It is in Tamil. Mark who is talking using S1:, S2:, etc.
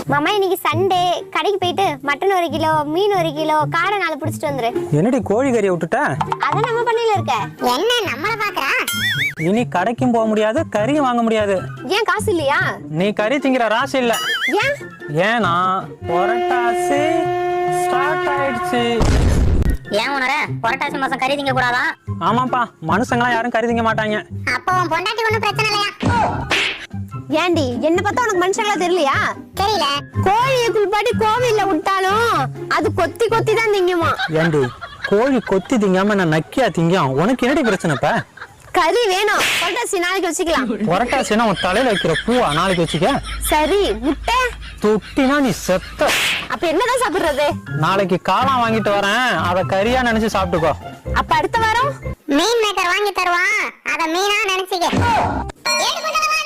S1: மாமா இன்னைக்கு சண்டே, கடைக்கு போயிட்டு மட்டன் 1 கிலோ, மீன் 1 கிலோ, காடை 4 பிடிச்சிட்டு வந்துரு.
S2: என்னடி கோழி கறியை விட்டுட்ட?
S1: அதான் நம்ம பண்ணையில இருக்க.
S3: என்ன நம்மள பாக்குறா?
S2: இனி கடைக்கும் போக முடியாது, கறியும் வாங்க முடியாது.
S1: ஏன் காசு இல்லையா?
S2: நீ கறி திங்கிற ராசி இல்ல.
S1: ஏன்?
S2: ஏன்னா புரட்டாசி ஸ்டார்ட் ஆயிடுச்சு.
S3: ஏன் உணர புரட்டாசி மாசம் கறி திங்க கூடாதா?
S2: ஆமாப்பா, மனுஷங்களாம் யாரும் கறி திங்க மாட்டாங்க.
S3: அப்போ உன் பொண்டாட்டி ஒண்ணும் பிரச்சனை இல்லையா?
S1: ஏண்டி என்ன பார்த்தா உனக்கு மனுஷங்களா தெரியலையா?
S3: தெரியல.
S1: கோழியை குளிப்பாட்டி கோவில்ல விட்டாலும் அது கொத்தி கொத்தி தான் திங்குமா.
S2: ஏண்டி கோழி கொத்தி திங்காம நான் நக்கியா திங்கும்? உனக்கு என்னடி பிரச்சனைப்பா?
S1: கறி வேணும். புரட்டாசி நாளைக்கு வச்சுக்கலாம்.
S2: புரட்டாசினா உன் தலையில வைக்கிற பூவா நாளைக்கு வச்சுக்க.
S1: சரி, முட்டை
S2: தொட்டினா நீ செத்த.
S1: அப்ப என்னதான் சாப்பிடுறது?
S2: நாளைக்கு காளான் வாங்கிட்டு வரேன், அத கறியா நினைச்சு சாப்பிட்டுக்கோ.
S1: அப்ப அடுத்த வாரம்
S3: மீன் மேக்கர் வாங்கி தருவான், அத மீனா நினைச்சுக்க.